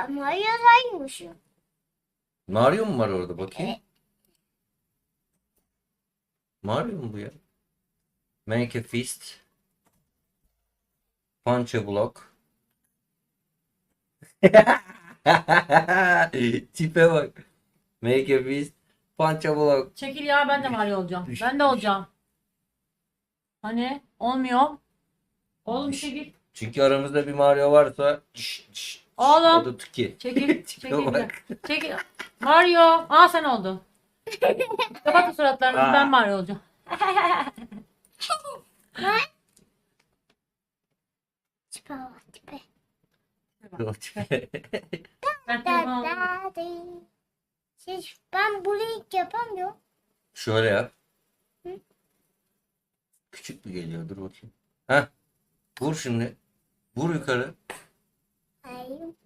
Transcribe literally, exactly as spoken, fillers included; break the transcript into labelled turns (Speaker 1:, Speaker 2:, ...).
Speaker 1: Aa, Mario saymış.
Speaker 2: Mario mu var orada bakayım? Mario mu bu ya? Make a fist. Punch a block. Tipe bak. Make a fist. Punch a block.
Speaker 3: Çekil ya, ben de Mario olacağım.
Speaker 2: Düş,
Speaker 3: Ben de
Speaker 2: düş.
Speaker 3: olacağım. Hani olmuyor. Oğlum çekil.
Speaker 2: Çünkü aramızda bir Mario varsa şş, şş,
Speaker 3: Oğlum.
Speaker 2: o da Tuki.
Speaker 3: Çekil.
Speaker 2: Tipe
Speaker 3: Çekil. bir
Speaker 2: bak.
Speaker 3: dakika. Çekil. Mario. Aa, sen oldun. Kapatın suratlarınızı,
Speaker 2: Aa.
Speaker 3: ben Mario olacağım.
Speaker 1: Tipe bak tipe.
Speaker 2: O tipe.
Speaker 3: Ben
Speaker 1: Da
Speaker 3: telefonu aldım.
Speaker 1: da di. Siz, ben burayı yapamıyorum.
Speaker 2: Şöyle yap.
Speaker 1: Hı?
Speaker 2: Küçük mü geliyor? Dur bakayım. Heh. Vur şimdi. Vur yukarı.
Speaker 1: Hayır.